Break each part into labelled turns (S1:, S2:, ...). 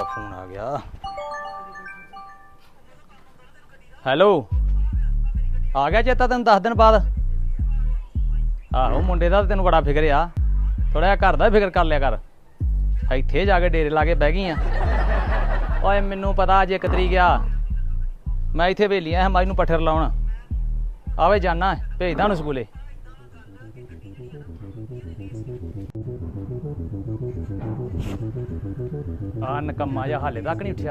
S1: Phone आ गया। Hello आ गया चेता तेन 10 दिन बाद? आहो मुंडे दा तेन बड़ा फिक्र आ, थोड़ा जिहा घर दा फिक्र कर लिया कर। इत्थे जाके डेरे ला के बह गई आ। ओए मैनू पता अज 1 तरीक आ, मैं इत्थे वेली आया माई नू पट्ठे लाउण। आवे जाना भेजदा उन्हें स्कूले। आ नकम्मा जा हाले तक नहीं उठिया।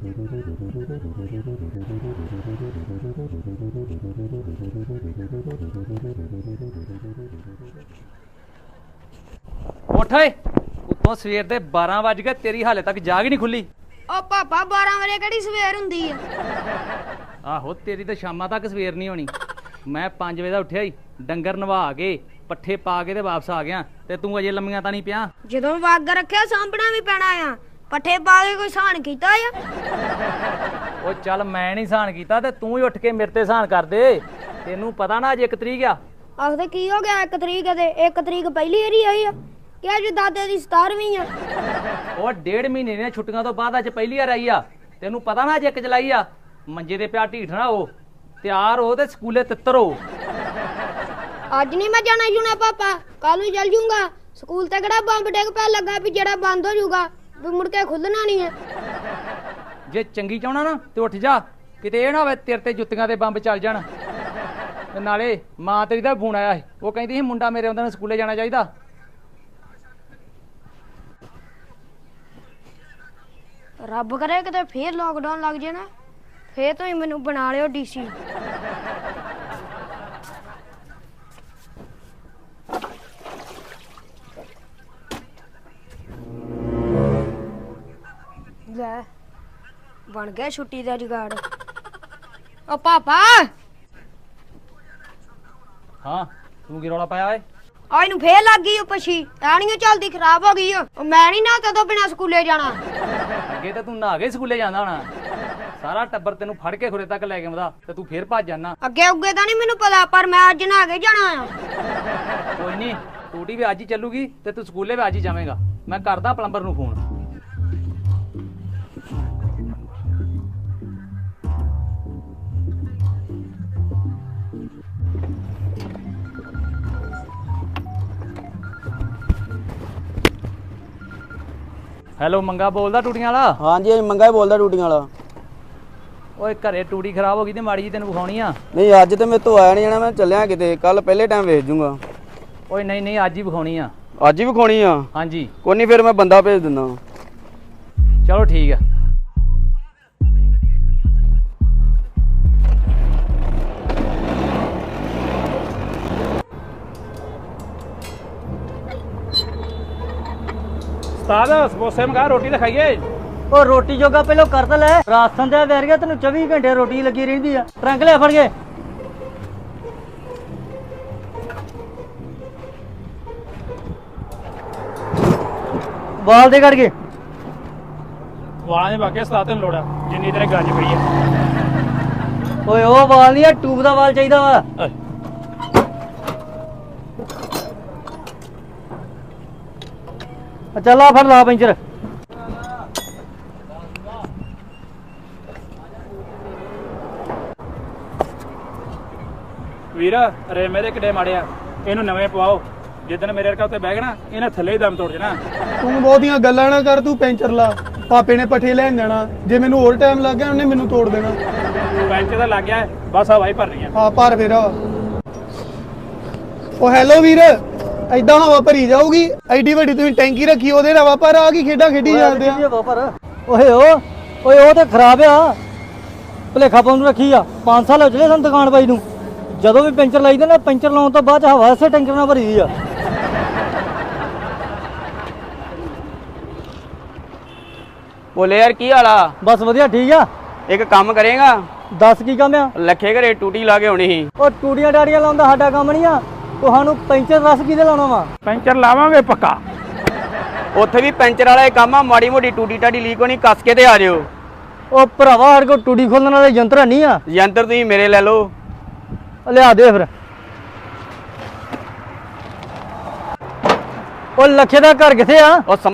S1: उठ उतों सवेर दे 12 वज गए, तेरी हाले तक जाग ही नहीं खुली।
S2: ओ पापा 12 वजे केड़ी सवेर हुंदी आ?
S1: आहो तेरी तो शामां तक सवेर नहीं होनी। मैं 5 बजे दा उठिया ही, डंगर नवा के पट्ठे पा के ते वापस आ गया, ते तू अजे लम्मियां तां नहीं पिया?
S2: जदों वग रखिया सामभना भी पैना आ, पट्ठे पा के कोई सहन कीता आ?
S1: ओ चल मैं नहीं सहन कीता ते तू ही उठ के मेरे ते सहन कर दे। तेनू पता ना अज 1 तरीक आ।
S2: आखदे की हो गया 1 तरीक ते 1 तरीक पहली वारी आई आ कि अज दादे दी 17वीं आ?
S1: ओ 1.5 महीने दी छुट्टियां तो बाद अज पहली बार आई आ। तेनू पता ना अज 1 जुलाई आ। मंजे ते पिया ढीठ ना हो, तैयार हो ते स्कूले तित्तर हो।
S2: अज नहीं मैं जाना जुना पापा, कल ही चल जूंगा। स्कूल ते केड़ा बंब डिग पे लगा भी जेड़ा बंद हो जूगा भी मुड़ के खुलना नहीं है।
S1: जे चंगी चाहना ना ते उठ जा, किते ये ना होवे तेरे ते जुत्तियां दे बंब चल जाण। ते नाले मां तेरी दा फोन आया, वो कहंदी सी मुंडा मेरे आंदा स्कूले जाना चाहिदा।
S2: रब करे किते फिर लॉकडाउन लग जाए ना, फिर तो ही मैनू बना लियो डीसी। ले बन गया छुट्टी दा जुगाड़। ओ पापा
S1: हाँ तू की रौला पाया है?
S2: आज नू फेर लग गई पछी, ऐनियो चलदी खराब हो गई। मैं नहीं ना तो बिना स्कूले जाना।
S1: अगे तो तू नहा के स्कूले जांदा होना, सारा टब्बर तेनू फड़ के खुरे तक लेके आंदा ते तू फिर भज जाना।
S2: अगे उगे तो नहीं मैनू पता, पर मैं अज नहा के जाना आ।
S1: कोई नहीं, टूटी भी अज ही चलूगी ते तू स्कूले भी अज ही जावेगा। मैं करदा प्लंबर नू फोन। हेलो मंगा बोलदा टूटियां वाला?
S3: हाँ जी मंगा ही बोलदा टूटियां वाला।
S1: ओए घरे टूटी खराब हो गई ते माड़ी जी तेन विखाउणी आ।
S3: नहीं अज तो मेरे तो आया नहीं जाना, मैं चलिया किते, कल पहले टाइम वेच जूंगा।
S1: ओए नहीं नहीं अज ही विखाउणी आ।
S3: अज ही विखाउणी आ?
S1: हाँ जी।
S3: कोई नहीं फिर मैं बंदा भेज दिंदा।
S1: चलो ठीक है। समोसे मंगा, रोटी तो खाइए।
S4: ओ रोटी जोगा पहलो कर तो ले, राशन दे बैर गया तेन 24 घंटे रोटी लगी रही है। ट्रंक ले फड़ के बाल दे कट के
S1: वाल ने बाकी सलाह तेन लोड़ा जिन्नी तेरे गंज पई है।
S4: ओए ओ बाल नहीं है, ट्यूब दा बाल चाहिदा वा। चल आ फड़ ला पंचर।
S5: ਵੀਰ ਰੇਮੇ ਦੇ ਕਿੱਡੇ ਮਾੜੇ ਆ, ਇਹਨੂੰ ਨਵੇਂ ਪਵਾਓ। ਜਿੱਦਣ ਮੇਰੇ ਵਰਗਾ ਉੱਤੇ ਬਹਿ ਗਿਆ ਨਾ, ਇਹਨੇ ਥੱਲੇ ਹੀ ਦਮ ਤੋੜ ਜਾਣਾ।
S6: ਤੂੰ ਬਹੁਤੀਆਂ ਗੱਲਾਂ ਨਾ ਕਰ, ਤੂੰ ਪੈਂਚਰ ਲਾ। ਪਾਪੇ ਨੇ ਪੱਠੇ ਲੈਣ ਜਾਣਾ, ਜੇ ਮੈਨੂੰ ਹੋਰ ਟਾਈਮ ਲੱਗ ਗਿਆ ਉਹਨੇ ਮੈਨੂੰ ਤੋੜ ਦੇਣਾ।
S5: ਪੈਂਚਰ ਤਾਂ ਲੱਗ ਗਿਆ, ਬਸ ਹਵਾ ਹੀ ਭਰਨੀ ਆ।
S6: ਹਾਂ ਭਰ ਫੇਰ। ਉਹ ਹੈਲੋ ਵੀਰ, ਐਦਾਂ ਹਵਾ ਭਰੀ ਜਾਊਗੀ? ਐਡੀ ਵੱਡੀ ਤੁਸੀਂ ਟੈਂਕੀ ਰੱਖੀ, ਉਹਦੇ ਹਵਾ ਭਰ ਆ ਕੀ ਖੇਡਾਂ ਖੇਡੀ ਜਾਂਦੇ ਆ?
S4: ਓਏ ਉਹ ਤੇ ਖਰਾਬ ਆ, ਭਲੇਖਾ ਪਾਉਣ ਨੂੰ ਰੱਖੀ ਆ। 5 ਸਾਲ ਹੋ ਚਲੇ ਸਾਨੂੰ ਦੁਕਾਨ ਪਾਈ ਨੂੰ। ਜਦੋਂ ਵੀ ਪੈਂਚਰ ਲਾਈਦਾ ਨਾ, ਪੈਂਚਰ ਲਾਉਣ ਤੋਂ ਬਾਅਦ ਹਵਾ ਇਸੇ ਟੈਂਕਰ ਨਾਲ ਭਰੀ ਦੀ ਆ।
S3: बोले यार की हाल आ?
S4: बस वधिया ठीक आ।
S3: एक काम करेगा?
S4: दस की काम आ?
S3: लखे घरे टूटी ला के होनी ही।
S4: ਉਹ ਟੂੜੀਆਂ ਡਾੜੀਆਂ ਲਾਉਂਦਾ ਸਾਡਾ ਕੰਮ ਨਹੀਂ ਆ। ਤੁਹਾਨੂੰ ਪੈਂਚਰ ਰਸ ਕਿਹਦੇ ਲਾਉਣਾ ਵਾ?
S5: ਪੈਂਚਰ ਲਾਵਾਂਗੇ ਪੱਕਾ।
S3: ਉੱਥੇ ਵੀ ਪੈਂਚਰ ਵਾਲਾ ਇਹ ਕੰਮ ਆ, ਮਾੜੀ ਮੋਟੀ ਟੂਟੀ ਟਾਡੀ ਲੀਕ ਹੋਣੀ ਕੱਸ ਕੇ ਤੇ ਆ ਜਿਓ।
S4: ਉਹ ਭਰਾਵਾ ਸਾਡੇ ਕੋਲ ਟੂੜੀ ਖੋਲਣ ਵਾਲੇ ਯੰਤਰ ਨਹੀਂ ਆ।
S3: ਯੰਤਰ ਤੁਸੀਂ ਮੇਰੇ ਲੈ ਲਓ।
S4: ਲਿਆ ਦੇ ਫਿਰ। ਉਹ ਲੱਖੇ ਦਾ ਘਰ ਕਿੱਥੇ ਆ?
S3: ਉਹ